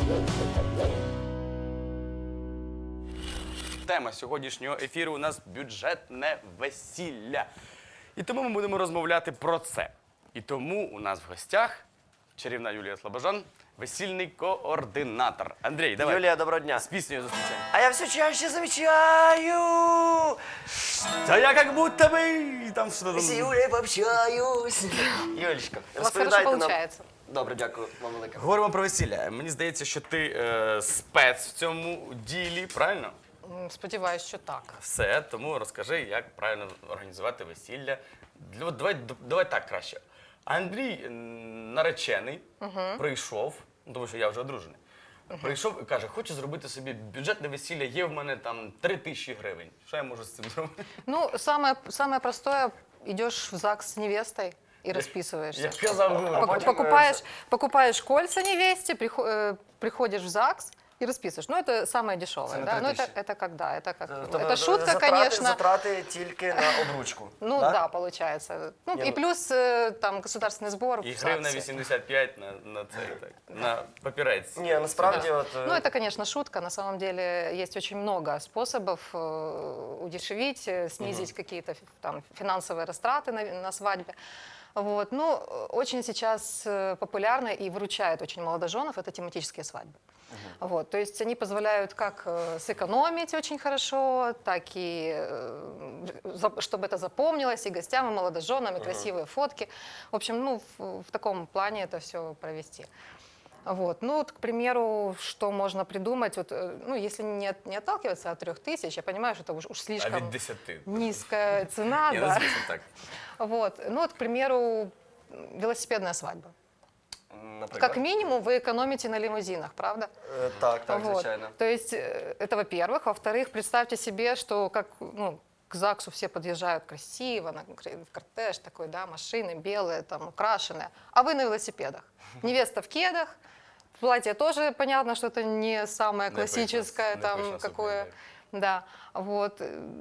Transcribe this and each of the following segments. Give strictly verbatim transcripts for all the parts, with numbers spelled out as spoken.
Тема сьогоднішнього ефіру у нас бюджетне весілля. І тому ми будемо розмовляти про це. І тому у нас в гостях чарівна Юлія Слобожан, весільний координатор. Андрій, давай. Юлія, доброго дня. З піснею зустрічаємо. А я все чаще замечаю, Та я як будто би... Там що там... с Юлей пообщаюсь. Юлечка, У вас хорошо розповідайте нам. получается. Добре, дякую вам велике. Говоримо про весілля. Мені здається, що ти е, спец в цьому ділі, правильно? М, Сподіваюсь, що так. Все, тому розкажи, як правильно організувати весілля. Для- от Давай, давай так краще. Андрій м, наречений, прийшов, ну, тому що я вже одружений, прийшов і каже, хочу зробити собі бюджетне весілля, є в мене там три тисячі гривень. Що я можу з цим зробити? Ну, самое, самое простое, идешь в ЗАГС с невестой и расписываешься. Я казав, Пок- потом, покупаешь, покупаешь кольца невесте, прихо- э, приходишь в ЗАГС и расписываешь. Ну, это самое дешевое, Цены да? Ну, это, три тысячи. это когда? Это как? Тобто, Это шутка, затрати, конечно. Затрати тільки на обручку. Ну, да? да, получается. Ну, Не, и ну- плюс э, там государственный сбор в і гривна ЗАГСе. вісімдесят п'ять на, на це, так, на папірець. Ні, насправді, от... е, Ну, это, конечно, шутка. На самом деле есть очень много способов э, удешевить, э, снизить какие-то фи- там финансовые растраты на, на свадьбе. Вот. Ну, э, очень сейчас э, популярно и выручает очень молодоженов это тематические свадьбы. Вот. То есть они позволяют как э, сэкономить очень хорошо, так и э, за- чтобы это запомнилось и гостям, и молодоженам, и красивые фотки. В общем, ну, в, в таком плане это все провести. Вот. Ну, вот, к примеру, что можно придумать, вот, э, ну, если не, от- не отталкиваться от трех тысяч, я понимаю, что это уж, уж А слишком від десяти. низкая цена, Ні, ну, да. звісно, так. Вот. Ну, вот, к примеру, велосипедная свадьба. наприклад. Как минимум вы экономите на лимузинах, правда? Е, Так, так, Вот. звичайно. То есть э, это во-первых. Во-вторых, представьте себе, что как, ну, к ЗАГСу все подъезжают красиво, на кр- в кортеж такой, да, машины белые, там, украшенные, а вы на велосипедах. Невеста в кедах, платье тоже понятно, что это не самое Не классическое, пышно, не там, пышно, какое, супер, да, вот.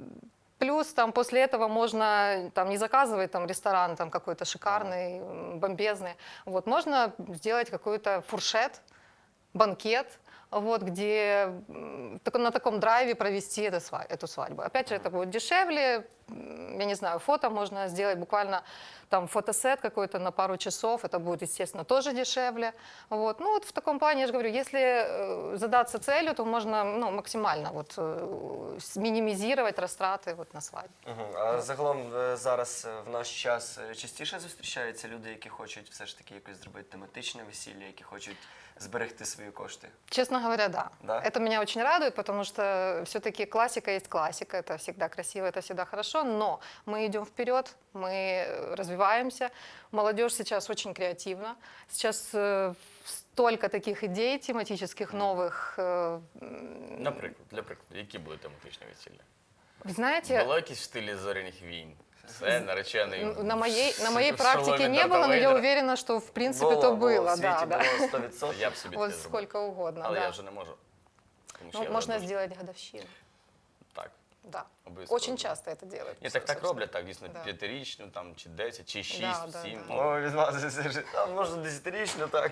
Плюс там после этого можно там не заказывать там ресторан там какой-то шикарный, м, бомбезный. Вот можно сделать какой-то фуршет, банкет, вот где м, так- на таком драйве провести это сва- эту свадьбу. Опять же, это будет дешевле. м, Я не знаю, фото можно сделать буквально там фотосет какой-то на пару часов. Это будет, естественно, тоже дешевле. Вот. Ну вот в таком плане, я же говорю, если э, задаться целью, то можно ну, максимально вот, э, с- минимизировать растраты вот, на свадьбе. Мгм. А загалом е, зараз е, в наш час е, частіше зустрічаються люди, які хочуть все ж таки якось зробити тематичне весілля, які хочуть зберегти свої кошти. Честно говоря, да. Да? Это меня очень радует, потому что все-таки классика есть классика, это всегда красиво, это всегда хорошо, но мы идем вперед, мы э, развиваемся. Молодежь сейчас очень креативна. Сейчас э, столько таких идей тематических новых. э, м, Наприклад, для прикладу, які були тематичні весілля? Вы знаете, Було якісь в стилі зоряних війн? Все, наречений. н- на моей, на моей в практике шоломі не Дарта было, но я Вейдера. уверена, что в принципе Було, это було, было. в Да, світі да. було сто відсотків. Я б собі Вот таке зробив. сколько угодно. Але да. я вже не можу. Тому що Ну, я можно вже сделать годовщину. Так. Да. Обов'язково. Очень часто это делают. Ні, так так собственно. роблять, так, дійсно, Да. п'ятирічну, там, чи десять, чи шість, Да, да, сім. да. ну. О, відмазується. А можна десятирічно, так.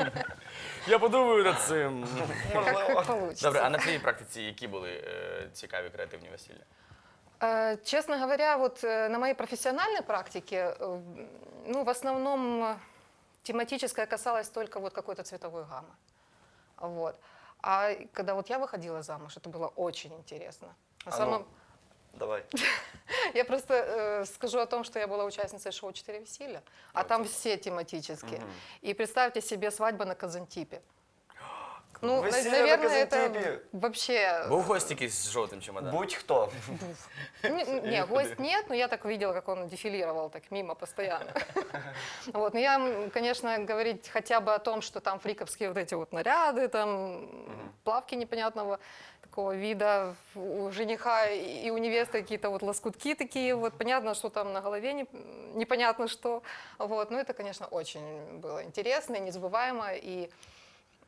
Я подумаю над цим. Как, как получится. Добре, а на твоїй практиці які були е, цікаві креативні весілля? Э, Честно говоря, вот э, на моей профессиональной практике, э, ну, в основном э, тематическое касалось только вот какой-то цветовой гаммы. Вот. А когда вот я выходила замуж, это было очень интересно. На А ну. самом... Давай. Я просто э, скажу о том, что я была участницей шоу «Четыре веселья», а там все тематические. И представьте себе свадьба на Казантипе. Ну, на- Весілля на наверное, это Казантипе. вообще... Був гость якийсь з жовтим чемоданом? Будь-хто. Не, не, гость нет, но я так видела, как он дефилировал так мимо постоянно. Вот, но я, м, конечно, говорить хотя бы о том, что там фриковские вот эти вот наряды, там плавки непонятного такого вида, у жениха и у невесты какие-то вот лоскутки такие, вот понятно, что там на голове не- непонятно что. Вот, но это, конечно, очень было интересно и незабываемо, и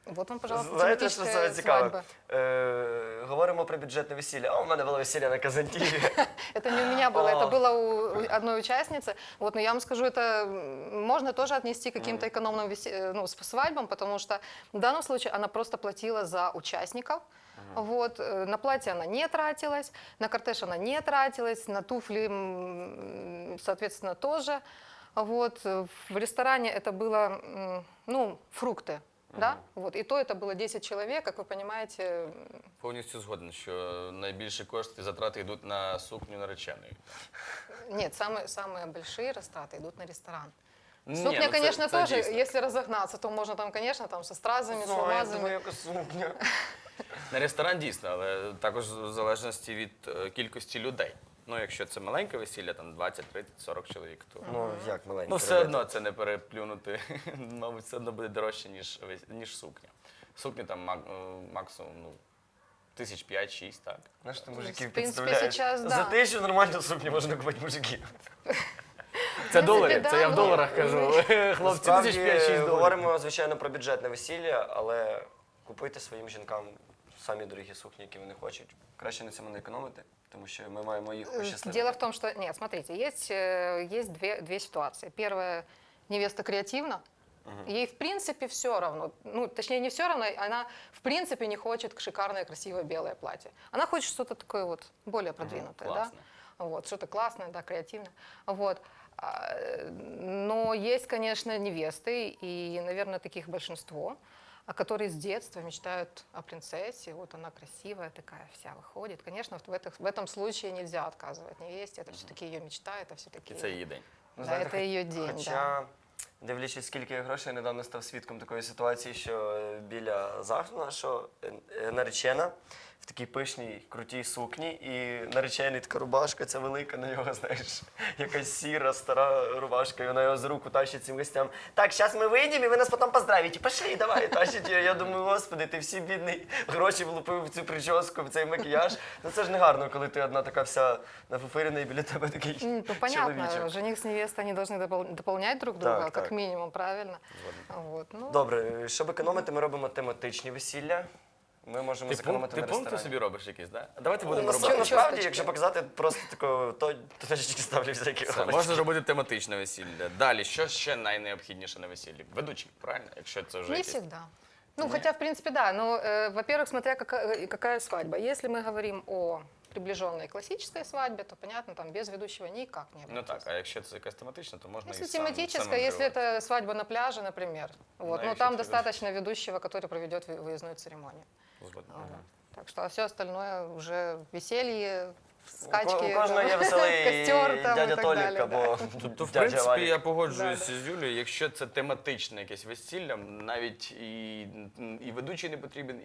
Вот вам, пожалуйста, Знаєте, що тематическая саме цікаве? свадьба. Е, говоримо про бюджетне весілля. А у мене було весілля на Казантіві. Это не у меня было, О. это было у у одной участницы. Вот, но я вам скажу, это м, можно тоже отнести к каким-то экономным весе- э, ну, с- свадьбам, потому что в данном случае она просто платила за участников. Вот, э, на платье она не тратилась, на кортеж она не тратилась, на туфли, м, соответственно, тоже. Вот, э, в ресторане это было, м, ну, фрукты, да, вот, и то это было десять человек, как вы понимаете, м, Повністю згоден, що найбільші кошти затрати йдуть на сукню нареченої. нет, самые, самые большие растраты идут на ресторан. Ні, Сукня, ну це- конечно, це тоже, дійсно. если разогнаться, то можно там, конечно, там со стразами, с Ну, я алмазами. думаю, якось сукня. На ресторан дійсно, але також в залежності від е, кількості людей. Ну, якщо це маленьке весілля, там двадцять, тридцять, сорок чоловік, то Ну, як маленький. ну, все одно це не переплюнути. Мабуть, все одно буде дорожче, ніж, вес- ніж сукня. Сукня там мак- е, максимум ну, тисяч п'ять-шість, так. Знаєш, ти В мужиків принципі, підставляєш. сейчас, да. За тисячу нормальну сукню можна купити мужиків. Це принципі, долари, да, це я в ну, доларах кажу. Хлопці, Насправді, тисяч п'ять-шість доларів. говоримо, звичайно, про бюджетне весілля, але купуйте своїм жінкам самі дорогі сукні, які вони хочуть. Краще на цьому не економити, тому що ми маємо їх Э, пощасливити. Дело в том, что, нет, смотрите, есть, э, есть две, две ситуации. Первая, невеста креативна, ей в принципе все равно, ну, точнее, не все равно, она в принципе не хочет шикарное, красивое белое платье. Она хочет что-то такое вот более продвинутое, да? классное. Вот, что-то классное, да, креативное. Вот. А, Но есть, конечно, невесты, и, наверное, таких большинство, а которые с детства мечтают о принцессе. Вот она красивая такая, вся выходит. Конечно, в, этих, в этом случае нельзя отказывать невесте. Это все-таки ее мечта, это все-таки... І це її день. Ну, Да, знаєте, це хоч- її день, Хоча, дивлячись, скільки я грошей, недавно став свідком такої ситуації, що е, біля заходу нашого е, е, наречена в такій пишній, крутій сукні, і наречений така рубашка, ця велика на нього, знаєш, якась сіра, стара рубашка, і вона його за руку тащить цим гостям. Так, зараз ми вийдемо, і ви нас потім поздравите. Пошли, давай, тащить її. Я думаю, господи, ти всі бідний гроші влупив в цю прическу, в цей макіяж. Ну це ж не гарно, коли ти одна така вся нафуфирена, і біля тебе такий М, Ну, понятно, чоловічок. жених с невестой, они должны допол- дополнять друг друга, Так, как так. минимум, правильно? Вот, ну, Добре, щоб економити, ми робимо тематичні весілля. Ми можемо Ти, пункт, зекономити ти на пункти ресторані. собі робиш якісь, так? Да? Давайте Ну, будемо насправді, робити. насправді, Чосточки. якщо показати, просто тако, то точечки ставлю всякі Все, галочки. можна зробити тематичне весілля. Далі, що ще найнеобхідніше на весіллі? Ведучий, правильно? Якщо це вже не якесь. всегда. Ну, хотя, в принципе, да. Но, э, во-первых, смотря какая, какая свадьба. Если мы говорим о приближенной классической свадьбе, то, понятно, там без ведущего никак не Ну обойтись. так, а якщо це якась тематична, то можна Если і сам, тематическая, самим если керувати. это свадьба на пляже, например, вот, Да, ну еще там это достаточно ведущего, который проведет вы- выездную церемонию. Згоден. Вот. Так что, а все остальное уже веселье, У, скачки, ко- у кожного там, є веселий костер там дядя и так Толік далее, да. або Тобто, в дядя принципі, Валік. я погоджуюся Да, з Юлією, якщо це тематичне якесь весілля, навіть і, і ведучий не потрібен,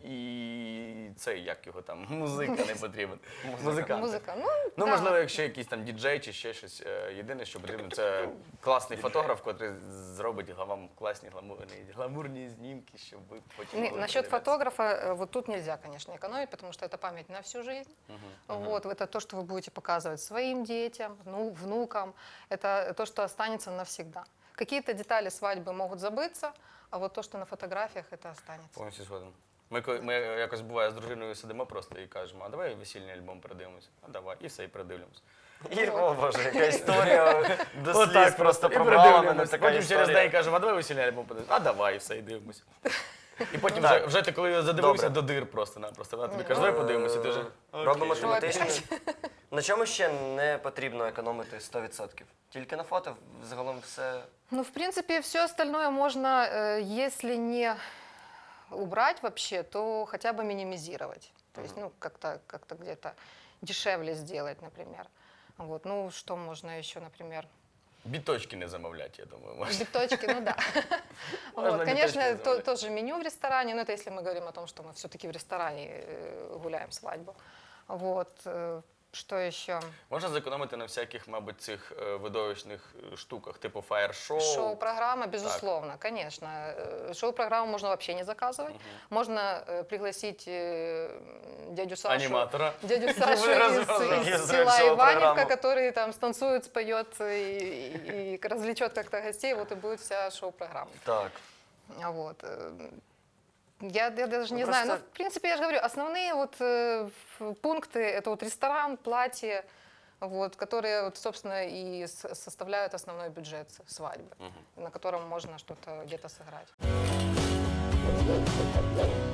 і цей, як його там, музика не потрібен. Музикант. Музыка, ну, Ну, да. можливо, якщо якийсь там діджей чи ще щось. Е, Єдине, що потрібно, це класний фотограф, який зробить вам класні гламурні, гламурні знімки, щоб ви потім Не, могли насчет подивитися. фотографа, э, вот тут нельзя, конечно, экономить, потому что это память на всю жизнь. Вот, это то, что вы будете показывать своим детям, ну, внукам. Это то, что останется навсегда. Какие-то детали свадьбы могут забыться, а вот то, что на фотографиях, это останется. Повністю згоден. Ми, коли- ми якось буває з дружиною сидимо просто і кажемо, а давай весільний альбом передивимося. А давай, і все, і передивимося. І, о боже, яка історія до сліз Отак просто і пробрала мене передивимось. така Потім через день історія. кажемо, а давай весільний альбом подивимося. А давай, і все, і дивимося. І потім Так. вже, вже ти коли задивився Добре. до дир просто-напросто. Вона тобі каже, давай подивимося, і ти вже. окей. Робимо Що тематичні. На чому ще не потрібно економити сто відсотків? Тільки на фото, загалом все. Ну, в принципе, все остальное можно, э, если не убрать вообще, то хотя бы минимизировать. То есть, ну, как-то как где-то дешевле сделать, например. Вот, ну, что можно еще, например? Біточки не замовлять, я думаю. можна. Биточки, ну да. Можно Вот, биточки конечно, то- замовлять. тоже меню в ресторане, но это если мы говорим о том, что мы все-таки в ресторане э, гуляем свадьбу. Вот, э, что еще? Можна зекономити на всяких, мабуть, цих е, видовищних е, штуках, типу фаєр-шоу. Шоу-программа, безусловно, конечно. Э, Шоу-программу можно вообще не заказывать. Можно э, пригласить э, дядю Сашу. Аніматора. Дядю Вы Сашу из, разобрались. из Есть села шоу-программу. Иваневка, который там станцует, споет и, и, и развлечет как-то гостей. Вот и будет вся шоу-программа. Так. Вот. э, Я, я даже Ну, не знаю. Ну, просто- в принципе, я же говорю, основные вот э, в- пункты это вот ресторан, платье, вот, которые, вот, собственно, и с- составляют основной бюджет свадьбы, на котором можно что-то где-то сыграть.